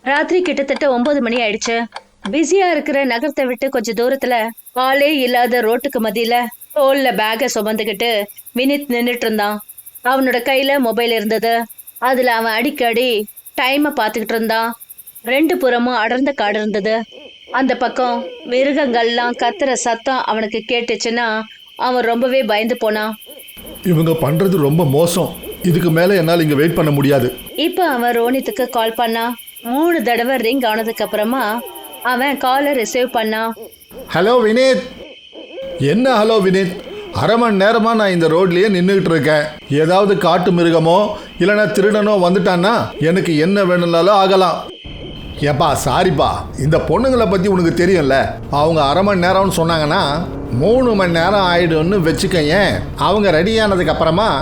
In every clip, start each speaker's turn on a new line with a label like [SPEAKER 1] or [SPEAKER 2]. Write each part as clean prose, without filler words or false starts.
[SPEAKER 1] ராத்திரி கிட்டத்தட்ட 9 மணி ஆயிடுச்சு. பிஸியா இருக்கிற நகரத்தை விட்டு கொஞ்சம் தூரத்துல ஆளே இல்லாத ரோட்டுக்கு மத்தியில தோல்ல பேக சுமந்துக்கிட்டு வினித் நின்னுட்டு இருந்தான். அவனோட கையில மொபைல் இருந்தது. அதுல அவன் அடிக்கடி டைமை பார்த்துக்கிட்டு இருந்தான். ரெண்டு புறமும் அடர்ந்த காடு இருந்தது. அந்த பக்கம் மிருகங்கள்லாம் கத்துற சத்தம் அவனுக்கு கேட்டுச்சுன்னா அவன் ரொம்பவே பயந்து போனான்.
[SPEAKER 2] இவங்க பண்றது ரொம்ப மோசம். இதுக்கு மேல என்னால் இங்க வெயிட் பண்ண முடியாது.
[SPEAKER 1] இப்ப அவன் ரோனித்துக்கு கால் பண்ணான். 3 தடவை ரிங் ஆனதுக்கு அப்புறமா அவன் காலை ரிசீவ் பண்ணான்.
[SPEAKER 2] ஹலோ வினீத். என்ன ஹலோ வினீத்? அரை மணி நேரமா நான் இந்த ரோட்லயே நின்றுகிட்டு இருக்கேன். ஏதாவது காட்டு மிருகமோ இல்லைன்னா திருடனோ வந்துட்டான்னா எனக்கு என்ன வேணும்னாலும் ஆகலாம். ஏப்பா சாரிப்பா, இந்த பொண்ணுங்களை பற்றி உனக்கு தெரியும்ல. அவங்க அரை மணி நேரம்னு சொன்னாங்கன்னா 3 மணி நேரம் ஆயிடும்னு வச்சுக்கங்க. அவங்க ரெடியானதுக்கு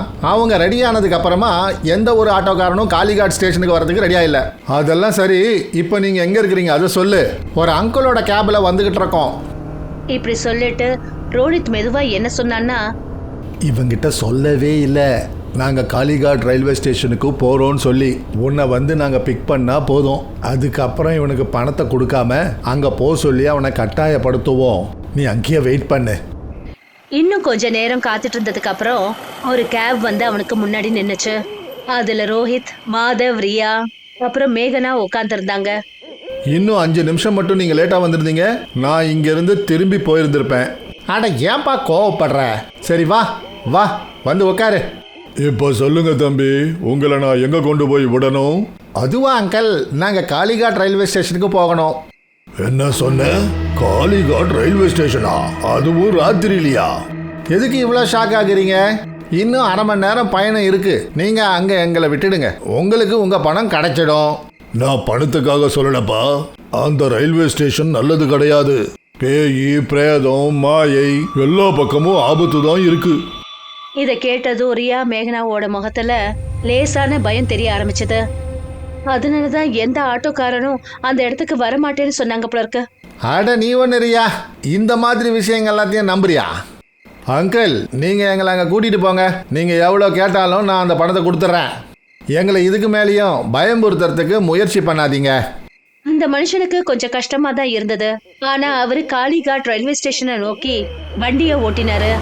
[SPEAKER 2] அப்புறமா எந்த ஒரு ஆட்டோக்காரனும் காளிகாட் ஸ்டேஷனுக்கு வரதுக்கு ரெடியா இல்லை. அதெல்லாம் சரி, இப்போ நீங்கள் எங்கே இருக்கிறீங்க அதை சொல்லு. ஒரு அங்கிளோட கேபில் வந்துக்கிட்டு இருக்கோம்.
[SPEAKER 1] இப்படி சொல்லிட்டு ரோனித் மெதுவா என்ன சொன்னான்னா,
[SPEAKER 2] இவங்கிட்ட சொல்லவே இல்லை நாங்கள் காளிகாட் ரயில்வே ஸ்டேஷனுக்கு போகிறோன்னு சொல்லி. உன்னை வந்து நாங்கள் பிக் பண்ணால் போதும். அதுக்கப்புறம் இவனுக்கு பணத்தை கொடுக்காம அங்கே போக சொல்லி அவனை கட்டாயப்படுத்துவோம். நீ அங்கேயே வெயிட் பண்ணு.
[SPEAKER 1] இன்னும் கொஞ்ச நேரம் காத்துட்டு இருந்ததுக்கு அப்புறம் ஒரு கேப் வந்து அவனுக்கு முன்னாடி நின்னுச்சு. அதுல ரோஹித், மாதவ், ரியா அப்புறம் மேகனா உட்காந்துருந்தாங்க.
[SPEAKER 2] இன்னும் 5 நிமிஷம் மட்டும் நீங்கள் லேட்டாக வந்திருந்தீங்க, நான் இங்கேருந்து திரும்பி போயிருந்திருப்பேன். அட ஏன்பா கோவப்படுற? சரி வா வா வந்து உட்காரு. இப்போ சொல்லுங்க தம்பி, உங்களை நான் எங்கே கொண்டு போய் விடணும்? அதுவா அங்கிள், நாங்கள் காளிகாட் ரயில்வே ஸ்டேஷனுக்கு போகணும். என்ன சொன்ன? காளிகாட் ரயில்வே ஸ்டேஷனா? அதுவும் ராத்திரிலையா? எதுக்கு இவ்வளோ ஷாக் ஆகுறீங்க? இன்னும் அரை மணி நேரம் பயணம் இருக்கு. நீங்கள் அங்கே எங்களை விட்டுடுங்க, உங்களுக்கு உங்கள் பணம் கிடைச்சிடும். நான் பணத்துக்காக சொல்லலப்பா. அந்த ரயில்வே ஸ்டேஷன் நல்லது கிடையாது. பேய், பிரேதம், மாயை எல்லா பக்கமும் ஆபத்து தான் இருக்கு.
[SPEAKER 1] இதை கேட்டதும் ரியா மேகனாவோட முகத்துல லேசான பயம் தெரிய ஆரம்பிச்சது. அதனாலதான் எந்த ஆட்டோக்காரனும் அந்த இடத்துக்கு வரமாட்டேன்னு சொன்னாங்க போல இருக்கு.
[SPEAKER 2] அட நீ ஒன்று ரியா, இந்த மாதிரி விஷயங்கள் எல்லாத்தையும் நம்புறியா? அங்கிள், நீங்கள் எங்களை அங்கே கூட்டிகிட்டு போங்க. நீங்கள் எவ்வளோ கேட்டாலும் நான் அந்த பணத்தை கொடுத்துட்றேன். எங்களை இதுக்கு மேலேயும் பயம்புறுத்துறதுக்கு முயற்சி பண்ணாதீங்க.
[SPEAKER 1] அந்த மனுஷனுக்கு கொஞ்சம் கஷ்டமா தான் இருந்தது. ஆனா அவரு காளிகாட் ரயில்வே ஸ்டேஷனை நோக்கி வண்டியை ஓட்டினாரு.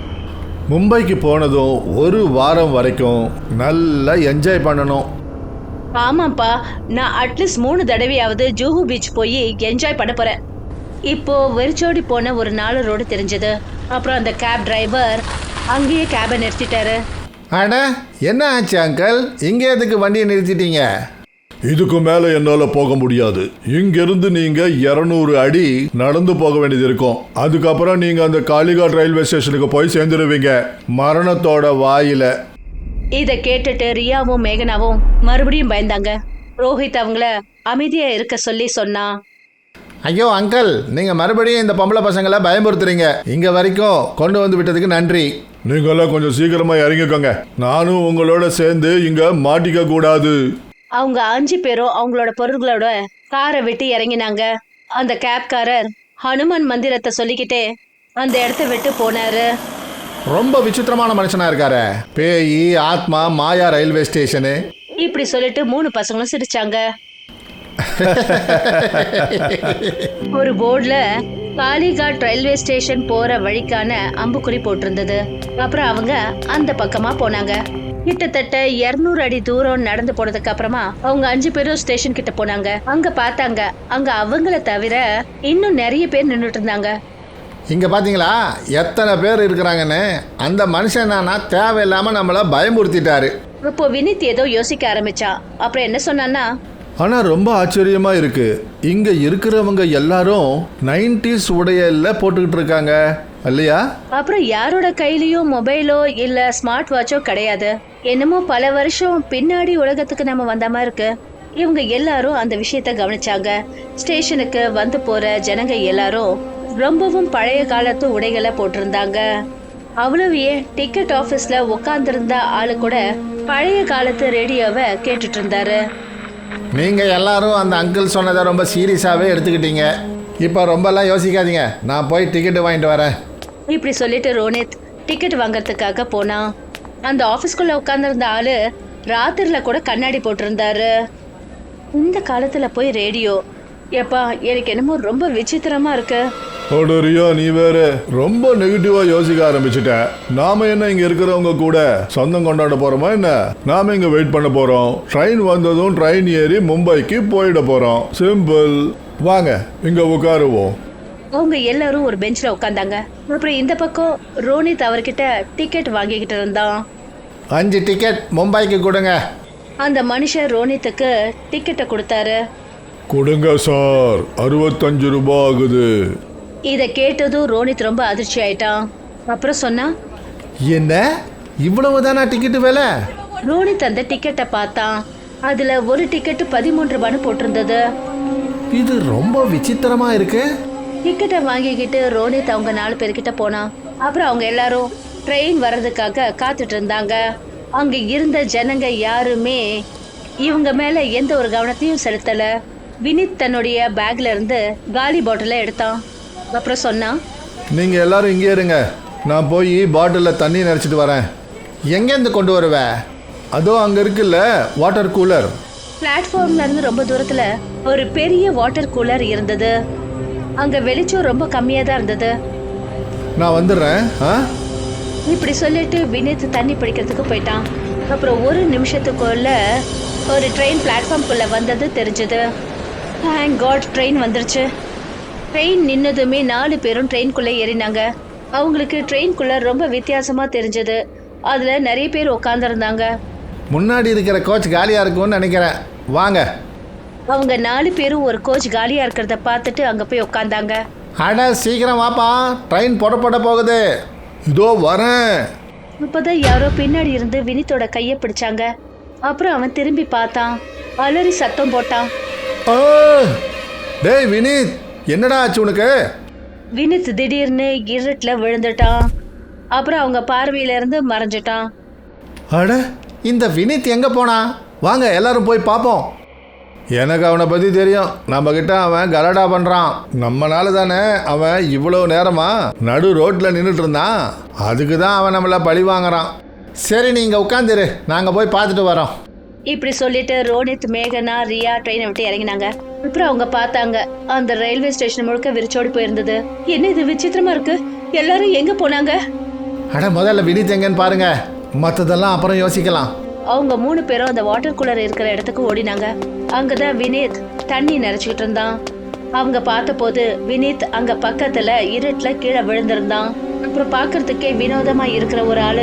[SPEAKER 2] மும்பைக்கு போனதும் 1 வாரம் வரைக்கும் நல்லா என்ஜாய் பண்ணணும்.
[SPEAKER 1] ஆமாப்பா, நான் அட்லீஸ்ட் 3 தடவையாவது ஜூஹு பீச் போய் என்ஜாய் பண்ண போறேன். இப்போ வெறிச்சோடி போன ஒரு 4 ரோடு தெரிஞ்சது. அப்புறம் அந்த கேப் டிரைவர் அங்கேயே கேபை நிறுத்திட்டாரு.
[SPEAKER 2] அட என்ன ஆச்சு அங்கிள், இங்கே எதுக்கு வண்டியை நிறுத்திட்டீங்க? இதுக்கு மேலே என்னால் போக முடியாது. இங்கிருந்து நீங்கள் 200 அடி நடந்து போக வேண்டியது இருக்கும். அதுக்கப்புறம் நீங்கள் அந்த காளிகாட் ரயில்வே ஸ்டேஷனுக்கு போய் சேர்ந்துருவீங்க, மரணத்தோட வாயில.
[SPEAKER 1] இதை கேட்டுட்டு ரியாவும் மேகனாவும் மறுபடியும் பயந்தாங்க. ரோஹித் அவங்கள அமைதியா இருக்க சொல்லி சொன்னா.
[SPEAKER 2] ஐயோ அங்கிள், நீங்கள் மறுபடியும் இந்த பொம்பளை பசங்களை பயமுறுத்துறீங்க. இங்கே வரைக்கும் கொண்டு வந்து விட்டதுக்கு நன்றி. நீங்களாம் கொஞ்சம் சீக்கிரமாக இறங்கிக்கோங்க. நானும் உங்களோட சேர்ந்து இங்கே மாட்டிக்க கூடாது.
[SPEAKER 1] அவங்க 5 பேரும் அவங்களோட பொருள்களோட காரை விட்டு இறங்கினாங்க. அந்த கேப்காரர் ஹனுமான் மந்திரத்தை சொல்லிக்கிட்டே அந்த இடத்த விட்டு போனாரு.
[SPEAKER 2] ரொம்ப விசித்திரமான மனுஷனா இருக்காரு. பேய், ஆத்மா, மாயா ரயில்வே ஸ்டேஷனு
[SPEAKER 1] இப்படி சொல்லிட்டு 3 பசங்களும் சிரிச்சாங்க. ஒரு போர்டுல காளிகாட் ரயில்வே ஸ்டேஷன் போற வழிக்கான அம்புக்குறி போட்டிருந்தது. அப்புறம் அவங்க அந்த பக்கமா போனாங்க. கிட்டத்தட்ட 200 அடி தூரம் நடந்து போனதுக்கு அப்புறமா அவங்க 5 பேரும் ஸ்டேஷன் கிட்ட போனாங்க. அங்க பார்த்தாங்க, அங்க அவங்கள தவிர இன்னும் நிறைய பேர் நின்றுட்டு இருந்தாங்க.
[SPEAKER 2] இங்க பாத்தீங்களா எத்தனை பேர் இருக்கிறாங்கன்னு? அந்த மனுஷன் தேவையில்லாம நம்மள பயமுறுத்திட்டாரு.
[SPEAKER 1] இப்போ வினித் ஏதோ யோசிக்க ஆரம்பிச்சான். அப்புறம் என்ன சொன்னான்னா,
[SPEAKER 2] ஆனால் ரொம்ப ஆச்சரியமாக இருக்குது. இங்கே இருக்கிறவங்க எல்லாரும் 90s உடையில போட்டுக்கிட்டு இருக்காங்க இல்லையா?
[SPEAKER 1] அப்புறம் யாரோட கையிலயும் மொபைலோ இல்ல ஸ்மார்ட் வாட்சோ கிடையாது. என்னமோ பல வருஷம் பின்னாடி உலகத்துக்கு நம்ம வந்த மாதிரி இருக்கு. இவங்க எல்லாரும் அந்த விஷயத்த கவனிச்சாங்க. ஸ்டேஷனுக்கு வந்து போற ஜனங்க எல்லாரும் ரொம்பவும் பழைய காலத்து உடைகளை போட்டிருந்தாங்க. அவ்வளவையே டிக்கெட் ஆபீஸ்ல உட்கார்ந்திருந்த ஆளு கூட பழைய காலத்து ரேடியோவை கேட்டுட்டு இருந்தாரு.
[SPEAKER 2] நீங்க எல்லாரும் அந்த அங்கிள் சொன்னதை ரொம்ப சீரியஸாவே எடுத்துக்கிட்டீங்க. இப்போ ரொம்பலாம் யோசிக்காதீங்க, நான் போய் டிக்கெட் வாங்கிட்டு வரேன்.
[SPEAKER 1] இப்படி சொல்லிட்டு ரோனித் டிக்கெட் வாங்கறதுக்காக போனான். அந்த ஆபீஸ்க்குள்ள உட்கார்ந்திருந்த ஆளு ராத்திரில கூட கண்ணாடி போட்டிருந்தாரு. இந்த காலத்துல போய் ரேடியோ, எப்பா எனக்கு என்னமோ ரொம்ப விசித்திரமா இருக்கு.
[SPEAKER 2] அட ரியா, நீ வேற ரொம்ப நெகட்டிவா யோசிக்க ஆரம்பிச்சுட்ட. நாம என்ன இங்க இருக்கிறவங்க கூட சொந்தம் கொண்டாட போறோமா என்ன? நாம இங்க வெயிட் பண்ண போறோம். ட்ரெயின் வந்ததும் ட்ரெயின் ஏறி மும்பைக்கு போயிட போறோம். சிம்பிள். வாங்க இங்க உட்காருவோம்.
[SPEAKER 1] அவங்க எல்லாரும் ஒரு பெஞ்ச்ல உட்காந்தாங்க. அப்புறம் இந்த பக்கம் ரோனித் அவர்கிட்ட டிக்கெட் வாங்கிக்கிட்டு இருந்தான்.
[SPEAKER 2] 5 டிக்கெட் மும்பைக்கு கொடுங்க.
[SPEAKER 1] அந்த மனுஷன் ரோனித்துக்கு டிக்கெட்டை கொடுத்தாரு.
[SPEAKER 2] கொடுங்க சார், 65 ரூபாய் ஆகுது.
[SPEAKER 1] இதை கேட்டதும் ரோனித் ரொம்ப அதிர்ச்சி ஆயிட்டான். அப்புறம் சொன்னா,
[SPEAKER 2] என்ன இவ்வளவு தானா டிக்கெட்டு விலை?
[SPEAKER 1] ரோனித் அந்த டிக்கெட்டை பார்த்தான். அதுல ஒரு டிக்கெட் 13 ரூபான்னு போட்டிருந்தது.
[SPEAKER 2] இது ரொம்ப விசித்திரமா இருக்கு.
[SPEAKER 1] டிக்கெட்டை வாங்கிக்கிட்டு ரோனித் அவங்க 4 பேர்கிட்ட போனான். அப்புறம் அவங்க எல்லாரும் ட்ரெயின் வர்றதுக்காக காத்துட்டு இருந்தாங்க. அங்க இருந்த ஜனங்க யாருமே இவங்க மேல எந்த ஒரு கவனத்தையும் செலுத்தல. வினித் தன்னுடைய பேக்ல இருந்து காலி பாட்டில எடுத்தான். அப்புறம் சொன்னான்,
[SPEAKER 2] நீங்க எல்லாரும் இங்கே இருங்க, நான் போய் பாட்டிலில் தண்ணி நிறச்சிட்டு வரேன். எங்கேருந்து கொண்டு வருவேன்? அதோ அங்க இருக்குல்ல வாட்டர் கூலர்.
[SPEAKER 1] பிளாட்ஃபார்ம்ல இருந்து ரொம்ப தூரத்துல ஒரு பெரிய வாட்டர் கூலர் இருந்தது. அங்க வெளிச்சம் ரொம்ப கம்மியா தான் இருந்தது.
[SPEAKER 2] நான் வந்துடுறேன்.
[SPEAKER 1] இப்படி சொல்லிட்டு வினித் தண்ணி பிடிக்கிறதுக்கு போயிட்டான். அப்புறம் ஒரு நிமிஷத்துக்குள்ள ஒரு ட்ரெயின் பிளாட்ஃபார்ம்குள்ள வந்தது தெரிஞ்சது. தேங்க் காட், ட்ரெயின் வந்துருச்சு. ட்ரெயின் நின்னதுமே 4 பேரும் ட்ரெயின்குள்ளே ஏறினாங்க. அவங்களுக்கு ட்ரெயின்குள்ள ரொம்ப வித்தியாசமா தெரிஞ்சது. அதுல நிறைய பேர் உட்காந்துருந்தாங்க.
[SPEAKER 2] முன்னாடி இருக்கிற கோச் காலியா இருக்கும்னு நினைக்கிறேன், வாங்க.
[SPEAKER 1] அவங்க 4 பேரும் ஒரு கோச் காலியா இருக்கிறத பார்த்துட்டு அங்க போய் உட்காந்தாங்க.
[SPEAKER 2] அட சீக்கிரம் வாப்பா, ட்ரெயின் புறப்பட போகுது. இதோ வரேன்.
[SPEAKER 1] இப்போதான் யாரோ பின்னாடி இருந்து வினித்தோட கையை பிடிச்சாங்க. அப்புறம் அவன் திரும்பி பார்த்தான். அலறி சத்தம் போட்டான்.
[SPEAKER 2] டேய் வினித், என்னடா ஆச்சு உனக்கு?
[SPEAKER 1] வினித் திடீர்னு இருட்டுல விழுந்துட்டான். அப்புறம் அவங்க பார்வையில இருந்து மறைஞ்சிட்டான்.
[SPEAKER 2] அட, இந்த வினித் எங்க போனா? வாங்க எல்லாரும் போய் பார்ப்போம். எனக்கு அவனை பற்றி தெரியும். நம்மக்கிட்ட அவன் கலடா பண்ணுறான். நம்மனால தானே அவன் இவ்வளோ நேரமா நடு ரோட்டில் நின்றுட்டு இருந்தான். அதுக்கு தான் அவன் நம்மளை பழி வாங்குறான். சரி, நீங்கள் உட்காந்துரு, நாங்கள் போய் பார்த்துட்டு வரோம்.
[SPEAKER 1] இப்படி சொல்லிட்டு ரோனித், மேகனா, ரியா ட்ரெயினை விட்டு இறங்கினாங்க. அப்புறம் அவங்க பார்த்தாங்க, அந்த ரயில்வே ஸ்டேஷன் முழுக்க விரிச்சோடி போயிருந்தது. என்ன இது விசித்திரமா இருக்கு, எல்லாரும் எங்க போனாங்க?
[SPEAKER 2] அட, முதல்ல வினித் எங்கன்னு பாருங்க, மற்றதெல்லாம் அப்புறம் யோசிக்கலாம்.
[SPEAKER 1] அவங்க 3 பேரும் அந்த வாட்டர் கூலர் இருக்கிற இடத்துக்கு ஓடினாங்க. அங்கதான் வினித் தண்ணி நிறைச்சிட்டு இருந்தான். அவங்க பார்த்த போது வினித் அங்க பக்கத்துல இருட்டுல கீழே விழுந்திருந்தான். அப்புறம் பாக்குறதுக்கே வினோதமா இருக்கிற ஒரு ஆளு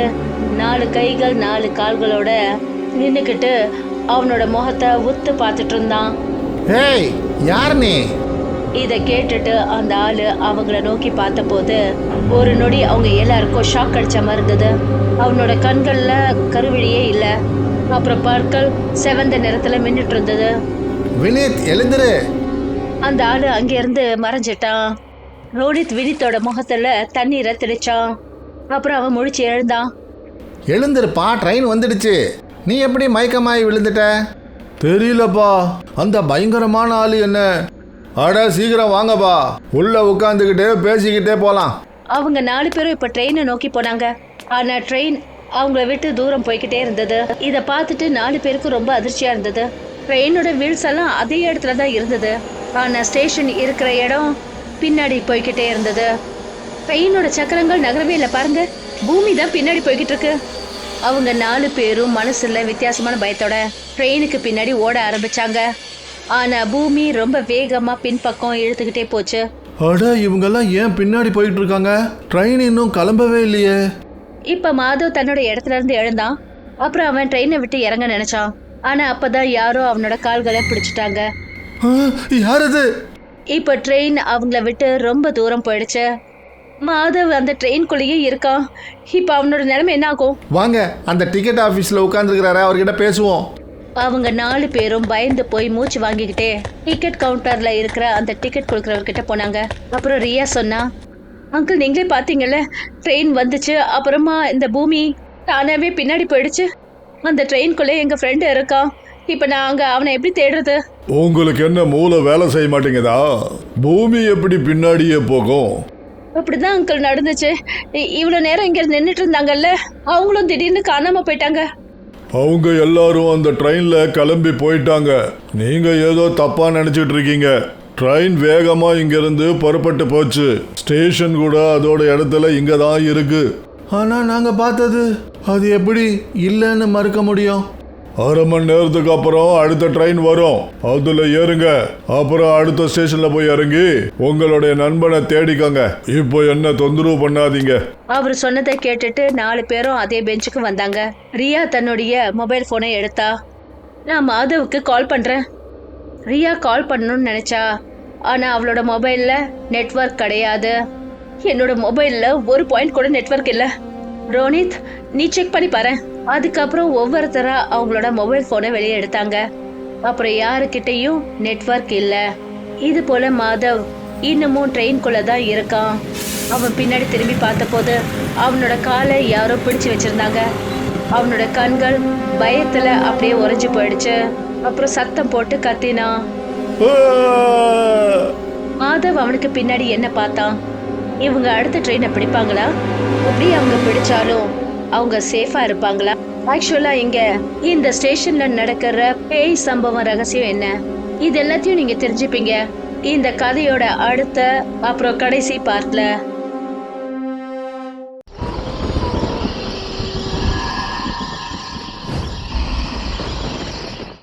[SPEAKER 1] 4 கைகள் 4 கால்களோட நின்னுக்கிட்டு அவனோட முகத்தை உத்து பார்த்துட்டு இருந்தான்.
[SPEAKER 2] ஏய், யார் நீ?
[SPEAKER 1] இத கேட்டுட்டு அந்த ஆளு அவங்கள நோக்கி பார்த்த போது ஒரு நொடி அவங்க எல்லாருக்கும் ஷாக் அடிச்ச மாதிரி இருந்தது. அவனோட கண்கள்ல கருவிழியே இல்ல. அப்புறம் பற்கள் செவந்த நிறத்துல மின்னுட்டு இருந்தது.
[SPEAKER 2] வினித், எழுந்துரு.
[SPEAKER 1] அந்த ஆளு அங்க இருந்து மறைஞ்சிட்டான். ரோனித் வினித்தோட முகத்துல தண்ணீரை தெளிச்சான். அப்புறம் அவன் முழிச்சு எழுந்தான்.
[SPEAKER 2] எழுந்துருப்பா, ட்ரெயின் வந்துடுச்சு. நீ எப்படி மயக்கமாயி விழுந்துட்ட? தெரியலப்பா, அந்த பயங்கரமான ஆளு என்ன? அட சீக்கிரம் வாங்கப்பா, உள்ள உட்காந்துக்கிட்டே பேசிக்கிட்டே போலாம்.
[SPEAKER 1] அவங்க 4 பேரும் இப்ப ட்ரெயினை நோக்கி போனாங்க. ஆனா ட்ரெயின் அவங்கள விட்டு தூரம் போய்கிட்டே இருந்தது. இத பார்த்துட்டு 4 பேருக்கும் ரொம்ப அதிர்ச்சியா இருந்தது. ட்ரெயினோட வீல்ஸ் எல்லாம் அதே இடத்துல தான் இருந்தது. ஆனா ஸ்டேஷன் இருக்கிற இடம் பின்னாடி போய்கிட்டே இருந்தது. ட்ரெயினோட சக்கரங்கள் நகரவே இல்லை, பாருங்க, பூமி தான் பின்னாடி போய்கிட்டு இருக்கு. அவங்க 4 பேரும் மனசுல வித்தியாசமான பயத்தோட ட்ரெயினுக்கு பின்னாடி ஓட ஆரம்பிச்சாங்க. ஆனா பூமி ரொம்ப வேகமா பின்பக்கம் இழுத்துக்கிட்டே போச்சு.
[SPEAKER 2] அட, இவங்கெல்லாம் ஏன் பின்னாடி போயிட்டு இருக்காங்க? ட்ரெயின் இன்னும் கிளம்பவே இல்லையே.
[SPEAKER 1] இப்ப மாதவ் தன்னோட இடத்துல இருந்து எழுந்தான். அப்புறம் அவன் ட்ரெயினை விட்டு இறங்க நினைச்சான். ஆனா அப்பதான் யாரோ அவனோட கால்களை பிடிச்சிட்டாங்க.
[SPEAKER 2] யார் அது?
[SPEAKER 1] இப்ப ட்ரெயின் அவங்கள விட்டு ரொம்ப தூரம் போயிடுச்சு. மாதவ் அந்த ட்ரெயின்குள்ளேயே இருக்கான். இப்ப அவனோட நிலைமை என்ன ஆகும்?
[SPEAKER 2] வாங்க, அந்த டிக்கெட் ஆஃபீஸில் உட்காந்துருக்கிறாரு, அவர்கிட்ட பேசுவோம்.
[SPEAKER 1] அவங்க 4 பேரும் பயந்து போய் மூச்சு வாங்கிக்கிட்டே டிக்கெட் கவுண்டர்ல இருக்கிற அந்த டிக்கெட் கொடுக்கறவர்கிட்ட போனாங்க. அப்புறம் ரியா சொன்னா, அங்கிள், நீங்களே பாத்தீங்கல்ல, ட்ரெயின் வந்துச்சு, அப்புறமா இந்த பூமி தானாவே பின்னாடி போயிடுச்சு. அந்த ட்ரெயின்குள்ளே எங்க ஃப்ரெண்டு இருக்கான். இப்ப நாங்க அவனை எப்படி தேடுறது?
[SPEAKER 2] உங்களுக்கு என்ன மூளை வேலை செய்ய மாட்டேங்குதா? பூமி எப்படி பின்னாடியே போகும்?
[SPEAKER 1] அப்படிதான் அங்கிள் நடந்துச்சு. இவ்வளவு நேரம் இங்க நின்றுட்டு இருந்தாங்கல்ல, அவங்களும் திடீர்னு காணாம போயிட்டாங்க.
[SPEAKER 2] அவங்க எல்லாரும் அந்த ட்ரெயின்ல கிளம்பி போயிட்டாங்க. நீங்க ஏதோ தப்பா நினைச்சிட்டு இருக்கீங்க. ட்ரெயின் வேகமா இங்கிருந்து புறப்பட்டு போச்சு. ஸ்டேஷன் கூட அதோட இடத்துல இங்க தான் இருக்கு. ஆனா நாங்க பார்த்தது அது எப்படி இல்லைன்னு மறுக்க முடியும்? அரை மணி நேரத்துக்கு அப்புறம் அடுத்த ட்ரெயின் வரும், அதுல ஏறுங்க. அப்புறம் அடுத்த ஸ்டேஷன்ல போய் இறங்கி உங்களுடைய நண்பனை தேடிக்கோங்க. இப்போ என்ன தொந்தரவு பண்ணாதீங்க.
[SPEAKER 1] அவர் சொன்னதை கேட்டுட்டு 4 பேரும் அதே பெஞ்சுக்கு வந்தாங்க. ரியா தன்னுடைய மொபைல் போனை எடுத்தா. நான் மாதவுக்கு கால் பண்றேன். ரியா கால் பண்ணணும்னு நினைச்சா, ஆனா அவளோட மொபைல்ல நெட்வொர்க் கிடையாது. என்னோட மொபைல்ல ஒரு பாயிண்ட் கூட நெட்வொர்க் இல்ல. ரோனித், நீ செக் பண்ணி பாரு. அதுக்கப்புறம் ஒவ்வொருத்தரா அவங்களோட மொபைல் போனை வெளியே எடுத்தாங்க. அப்புறம் யாருக்கிட்டையும் நெட்வொர்க் இல்ல. இது போல மாதவ் இன்னமும் ட்ரெயின்குள்ள தான் இருக்கான். அவன் பின்னாடி திரும்பி பார்த்தபோது அவனோட காலை யாரோ பிடிச்சு வச்சிருந்தாங்க. அவனோட கண்கள் பயத்துல அப்படியே உறைஞ்சு போயிடுச்சு. அப்புறம் சத்தம் போட்டு கத்தினான். மாதவ் அவனுக்கு பின்னாடி என்ன பார்த்தான்? இவங்க அடுத்த ட்ரெயினை பிடிப்பாங்களா? அப்படி அவங்க பிடிச்சாலும் அவங்க சேஃபா இருப்பாங்களா? ஆக்சுவலா இங்க இந்த ஸ்டேஷன்ல நடக்கிற பேய் சம்பவம் ரகசியம் என்ன, இது எல்லாத்தையும் நீங்க தெரிஞ்சுப்பீங்க இந்த கதையோட அடுத்த அப்புறம் கடைசி பார்ட்ல.